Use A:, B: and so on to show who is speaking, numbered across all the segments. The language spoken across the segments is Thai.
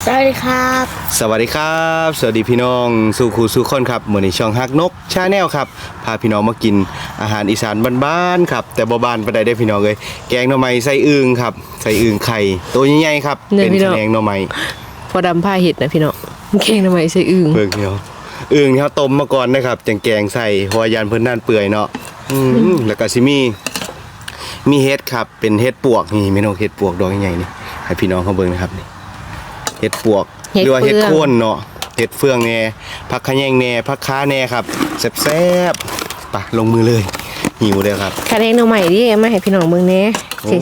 A: วัสดีครับ
B: สวัสดีครับสวัสดีพี่น้องสู่ครูสู่คนครับเหมือนในช่องฮักนกชาแนลครับพาพี่น้องมากินอาหารอีสานบ้านๆครับแต่บ้านๆไปได้พี่น้องเลยแกงหน่อไม้ใส่อึ่งครับใส่อึ่งไข่ตัวใหญ่ๆครับเป็นแกงหน่อไม้
A: พอดำผ้าเห็ดนะพี่น้องแกงหน่อไม้ใส่อึ่ง
B: เบิ่งเดียวอึ่งที่เขาต้มมาก่อนนะครับจังแกงใส่หัวยานเพิ่นนั่นเปื่อยเนาะแล้วก็สิมีเห็ดครับเป็นเห็ดปวกนี่พี่น้องเห็ดปวกดอกใหญ่ๆนี่ให้พี่น้องเขาเบิ่งนะครับนี่เห็ดปวกหรือว่าเห็ดโคนเนาะเห็ดเฟืองแน่ผักขะแยงแน่ผักค้าแน่ครับแซ่บๆปะลงมือเลยหิวเลยครับ
A: คาแกงหน่อไม้ดิมาให้พี่น้องเบิ่งแน่สิ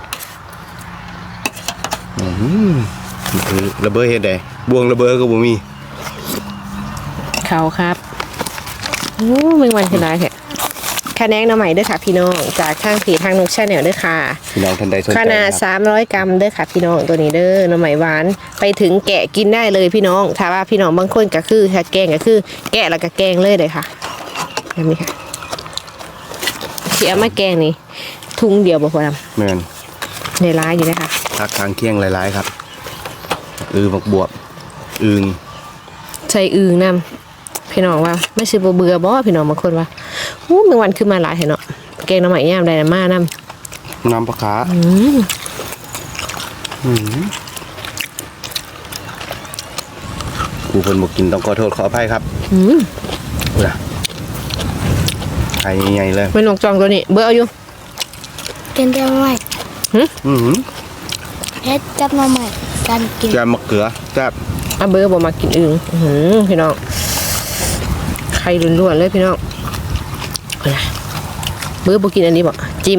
B: คือระเบิดเห็ดใดบวงระเบิดก็บ่มี
A: เขาครับโอ้มึงวันคือไรแท้คาแกงหน่อไม้เด้อค่ะพี่น้องจากทางเพจทางนกชาแนลเด้อค่ะ
B: พี่น้องท่านใดสนใจ
A: ขนาด300 กรัมเด้อค่ะพี่น้องตัวนี้เด้อหน่อไม้หวานไปถึงแกะกินได้เลยพี่น้องถ้าว่าพี่น้องบางคนก็คือถ้าแกงก็คือแกะแล้วก็แกงเลยค่ะแบบนี้ค่ะเสียมาแกงนี่ทุ่งเดียวบ่พอดำ
B: แม่น
A: ในร้านอยู่นะคะ
B: ผักทางเคียงหลายๆครับบักบวบอึ่ง
A: ใส่อึ่งนำพี่น้องว่าไม่ใช่เบื่อบ่พี่น้องบางคนว่าอู้เมื่อวันขึ้นมาหลายเนาะแกงหน่อไม้ย่ามได้มานำ
B: น้ำปลาขาผู้คนบอกกินต้องขอโทษขออภัยครับไข่ใหญ่เลย
A: เป็นนกจองตัวนี้เบื่ออยู่
C: กินได้ไหมเพชรจับมาใหม่กันกิน
B: แกงมะเขือแซ่บ
A: เบื่อบ่มากินอึ่งพี่น้องไข่ล้วนๆเลยพี่น้องเบื่อบ่กินอันนี้บ่จิ้ม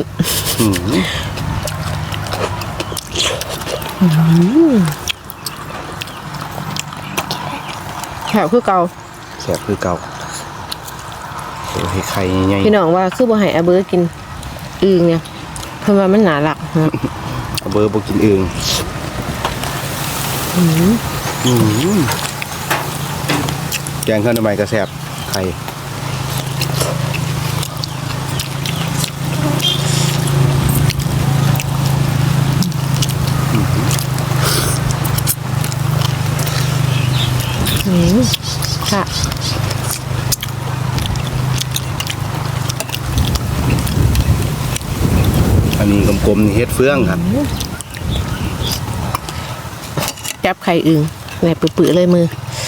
A: แซ่บคือเก่า
B: แซ่บคือเก่าให้ไข่ใหญ่
A: พี่น้องว่าคือบ่ให้เบื่อกินอึ่งเนี่ยเพิ่นว่ามันหนาหลัก
B: เบื่อบ่กินอึ่งแกงข้าวหน่อไม้ก็แซ่บไข่
A: ค่ะ
B: อันนี้กลมๆนี่เฮ็ดเฟืองครับ
A: จับไข่อึ่งแหนบปื้อๆเลยมือ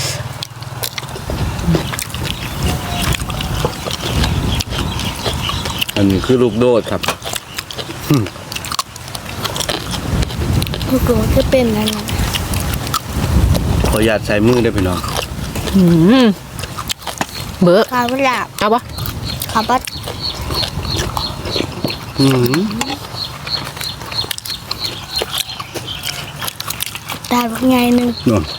B: อันนี้คือลูกโดดครับ
C: ลูกโดดจะเป็นอะไร
B: ขอหยาดใส่มือได้พี่น้อง
A: เบื่อ
C: ข้าวหลาบ
A: เอาปะ
C: ข้าวปัดตาเป็นไงนึง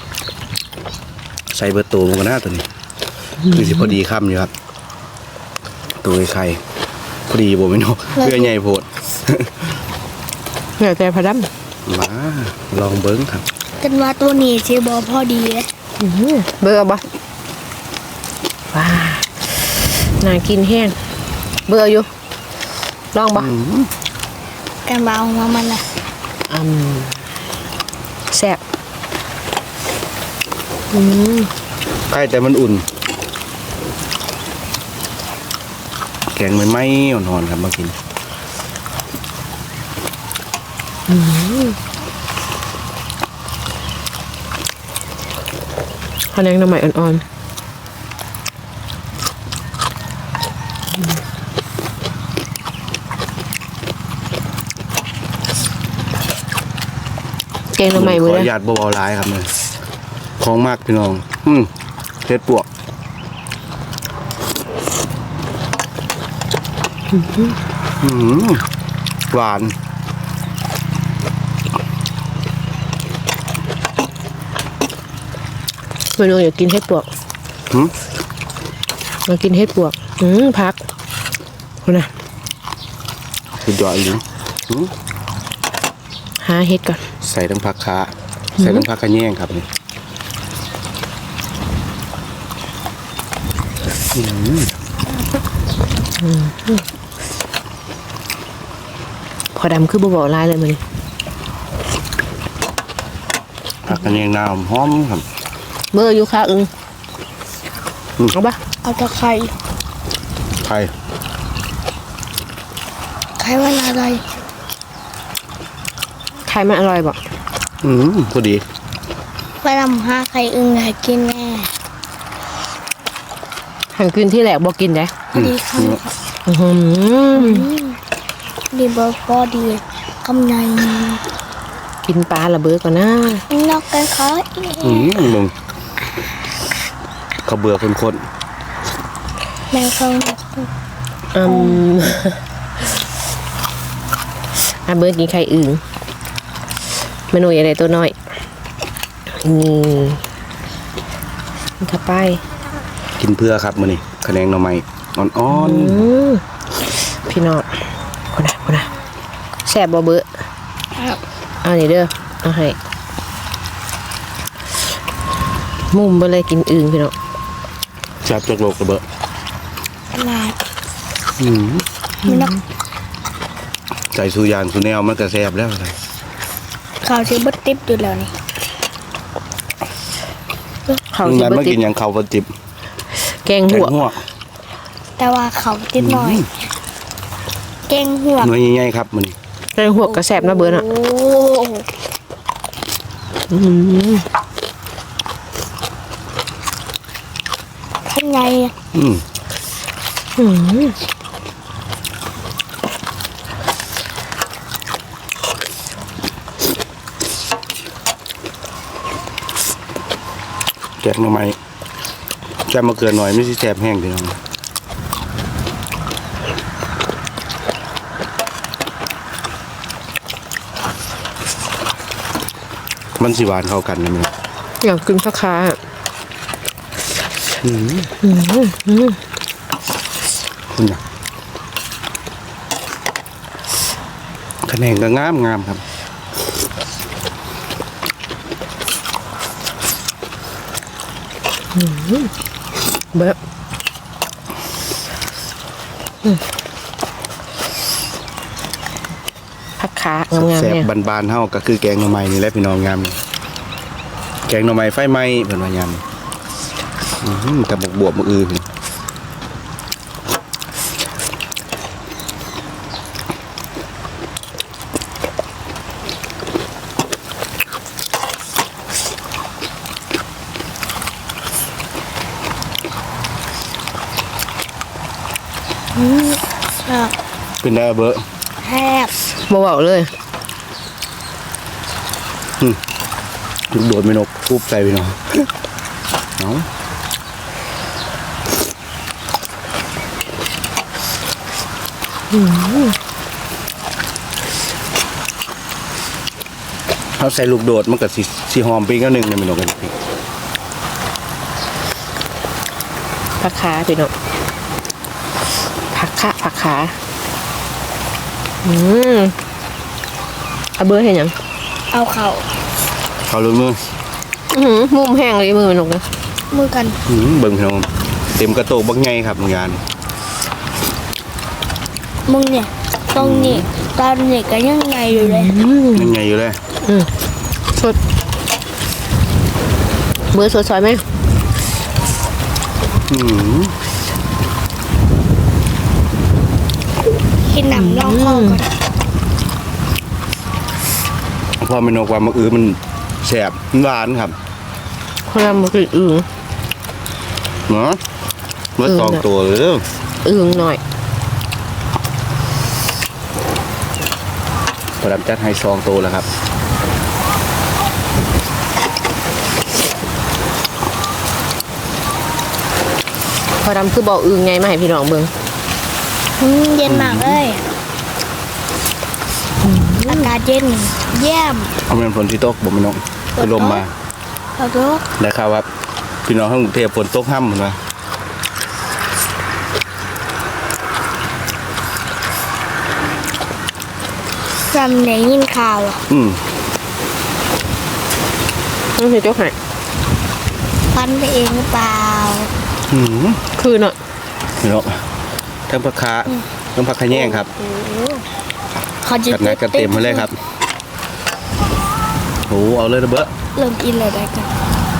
B: ใส่เบอร์โตมันก็น่าตัวนี้คือสิพอดีค่ำอยู่ครับตัวไข่พอดีบ่ไม่นกเพื่อใหญ่โพด
A: เหลือแต่พะด
B: ำมาลองเบิ้งครับ
C: กันว่าตัวนี้เชบอพอดีเลย
A: เบื่อปะว้าน่ากินแห้งเบื่ออยู่ลองปะ
C: กันว่าเอามามันละ
A: แซ่บ
B: ใกล้แต่มันอุ่นแกงมันไม่อ่อนๆครับมากิน
A: ข้าวแกงหน่อไม้อ่อนๆแกงหน่อไม้มือ
B: ขอหยาดเบาๆร้ายครับเลยของมากพี่น้องเห็ดปวกหวาน
A: เมนูอยากกินเห็ดปวกมากินเห็ดปวกพักคุณนะ
B: สุดยอดเลย
A: หาเห็ดก่อน
B: ใส่ทั้งผักขาใส่ทั้งผักกระแยงครับนี่
A: พอดำคือบ่บอกลายเลยมัน
B: ผักกระเนียงน้ำหอมครับ
A: เบอร์อยู่ค่ะเอาปะ
C: เอาตะไคร้
B: ไข่
C: ไข่วันอะไร
A: ไข่มันอร่อยบ่
B: พอดี
C: ไปทำหาไข่อึ่งให้กินแน่
A: หันกินที่แหลกบ่กินได้
C: พอดีคำครับ
A: อื้อหือ
C: ดีเบอร์พอดีกำไน
A: กินปลาละเบอร์ก่อนนะ
C: นอกกันเขา
B: มึงเขาเบื่อคน
C: แมวเขา
A: อืมอ่ะเบอร์กินไข่อึ่งเมนูอะไรตัวน้อยนี่ถ้าไป
B: ๆกินเพื่อครับมื้อนี้คะแนนหน่อไม้อ่อน
A: พี่น้องคนนะแซ่บบ่เบอร์เอานี่เด้อเอาให้มุมไปเลยกินอึ่งพี่น้อง
B: ๆแซ่บจักโลกระเบ้อ
C: ตลาด
B: อืม
C: มันนอก
B: ใส่สุยานสุแนวมันก็แซ่บแล้วอะไร
C: เขาชื่อบัตติบอยู่แล้วนี่
A: เขา
B: มึง
A: สิ
B: ยัน
A: บ่
B: มา
A: ติ
B: กิ
A: ด
B: นหยังเขาวบ่จิบ
A: แกง
B: แก
A: หั
B: ง
A: ว
B: หัว
C: แต่ว่าเขาติดหน่อยแกงหัว
B: หน่วยใหญ่ๆครับมื้อนี้
A: แกงหัวกระแสบนะเบอร์น่ะ
C: โอ้
A: อื้อหือ
C: ข้างใน
B: อืม
A: อื้อหือ
B: แกงหน่อไม้แซ่บมาเกินหน่อยไม่ใช่แซ่บแห้งพี่น้องมันสิหวานเข้ากันนะมึง
A: อยากกินผักขาอะ
B: คุณน่ะคะแนนก็งามครับ
A: เบอร์ผักขางามๆ
B: แซ่บ
A: เนี่ย
B: บานๆเฮาก็คือแกงหน่อไม้นี่แหละพี่น้องงามแกงหน่อไม้ไฟไหม้เพิ่นว่ายำกับบวบมืออื่นเป็นได้เบอร์
C: แฮบ
A: บ่เบาเลย
B: ลูกโดดไม่นกคูบใส่พี่น้องเอาเอาใส่ลูกโดดมันก็สิหอมไปอีก็นึงเนี่ยพี่น้องกัน
A: ผักขาพี่น้องผักขาเอาเบอร์เห็นยัง
C: เอาเข่า
B: เขาลุ้นมือ
A: มุมแห้งเลยมือมันลงนะ
C: มือกัน
B: เบิ่งพี่น้องเต็มกระโตกบักไงครับงาน
C: มึงเนี่ยตรงนี้ตอนนี้ก็ยังไงอยู่เลย
B: ยังไงอยู่เลย
A: สดเบอร์สดซอยไหม
C: กินหนำลองคอก่อน
B: พอเมนูความมะอื้อมันแสบมันหวานครับ
A: คนละมันคืออึ่ง
B: เนาะเมื่อ
A: เออ
B: สอง
A: น่ะ
B: ตัวเลยเด้อ
A: อึ่งหน่อย
B: พอดำจัดให้2ตัวแล้วครับ
A: พอดำคือบอกอึ่งไงมาให้พี่น้องเบิ่ง
C: เย็นมากเลยอากาศเย็นเยี่ยม
B: เอาเป็นฝนที่ตกบ่แม่น้องคือลมมา
C: ขอโทษ
B: ได้ข่าวว่าพี่น้องทั้งกรุงเทพฝนตกห้ำเหมือนว่า
C: จำไหนยินข่าวอ่ะ
A: นี่คือเจ้าไห่
C: ฟันไปเองหรือเปล่า
A: คือเนาะ
B: พี่น้องทั้งผักขาทั้งผักขะแยงครับ
C: เขาจะ
B: กัดหนักกัดเต็มมาเลยครับโอ้เอาเลยนะเบ้อ
C: เริ่มอินแล้วได้กัน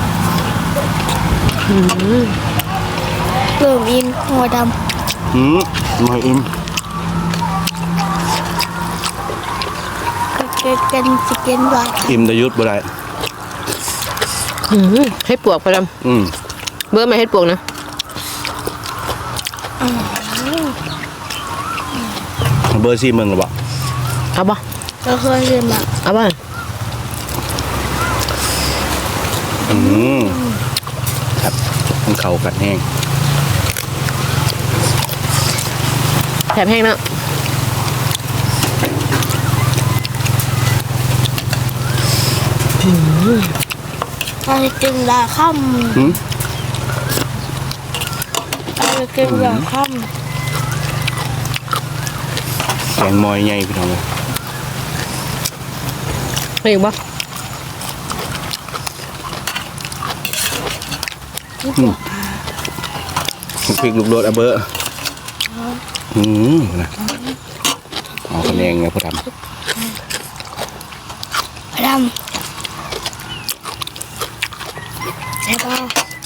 C: เริ่มอินหัวด
B: มาอิ่ม
C: ำก็กันจะกินหวาน
B: อิ่มแต่ยุดบ่ได้
A: ให้ปวกพอด
B: อืม
A: ำเบอร์ไม่ให้ปวกนะ
B: เบอร์ซี่มึงหรือเปล่า
A: เอาบ่
C: ก็เคยเรียนมา
A: เอาบ่
B: ครับมันเข่ากัดแห้ง
A: แถมแห้งเนาะ
C: เราจะกินลาค่
B: หืม
C: ำเราจะกินลาค่
B: แกงมอยใหญ่พี่น้องเลย
A: ไม่อีกบ่
B: พริกลูกโดดอะเบอร์นะเอาคะแนนไงพ่อทำ
C: ำดำใช่ป่ะ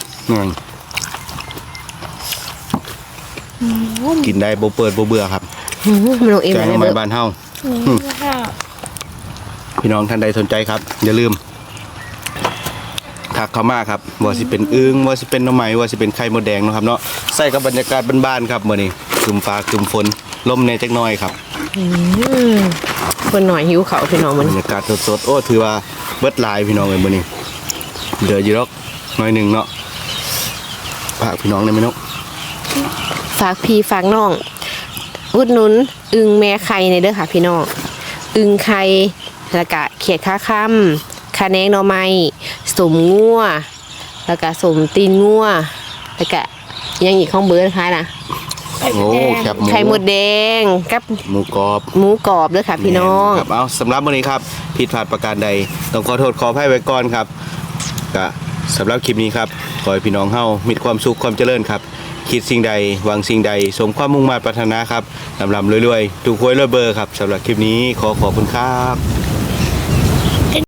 B: กินได้บ่เปิดบ่เบื่อครับ
A: มันลงเอง
B: แกง
A: เลย
B: ไม้
A: เบอร์
B: บ้านเฮา
C: ค่ะ
B: พี่น้องท่านใดสนใจครับ อย่าลืมทักเข้ามาครับว่าสิเป็นอึ้งว่าสิเป็นหน่อไม้ว่าสิเป็นไข่มดแดงเนาะครับเนาะใส่กับบรรยากาศบ้านๆครับมื้อนี้ครึมฟ้าครึมฝนลมในจักหน่อยครับ
A: คนหน่อยหิวเขาวพี่น้องมัน
B: บรรยากาศสดๆโอ้ถือว่าเบิดหลายพี่น้องเลยมื้อนี้เหลืออยู่ดอกน้อยหนึงเนาะฝากพี่น้องได้ไหมเนาะ
A: ฝากพี่ฝากน้องอุดหนุนอึงแม่ไข่ในเด้อค่ะพี่น้องอึงไข่แล้วก็เขียดข้าค่ำคะแนงหน่อไม้สมงัวแล้วก็สมตีนงัวแล้วก็ยังอีกข้องเบอร์นะคะนะ
B: โอ้แคบหมู
A: ไข่มดแดงกับ
B: หมูกรอบ
A: หมูกรอบเด้อค่ะพี่น้อง
B: ครับเอาสำหรับวันนี้ครับผิดพลาดประการใดต้องขอโทษขออภัยไว้ก่อนครับก็สำหรับคลิปนี้ครับขอให้พี่น้องเฮามีความสุขความเจริญครับคิดสิ่งใดหวังสิ่งใดสมความมุ่งมั่นปรารถนาครับลำๆรวยๆถูกหวยรวยเบอร์ครับสำหรับคลิปนี้ขอขอบคุณครับ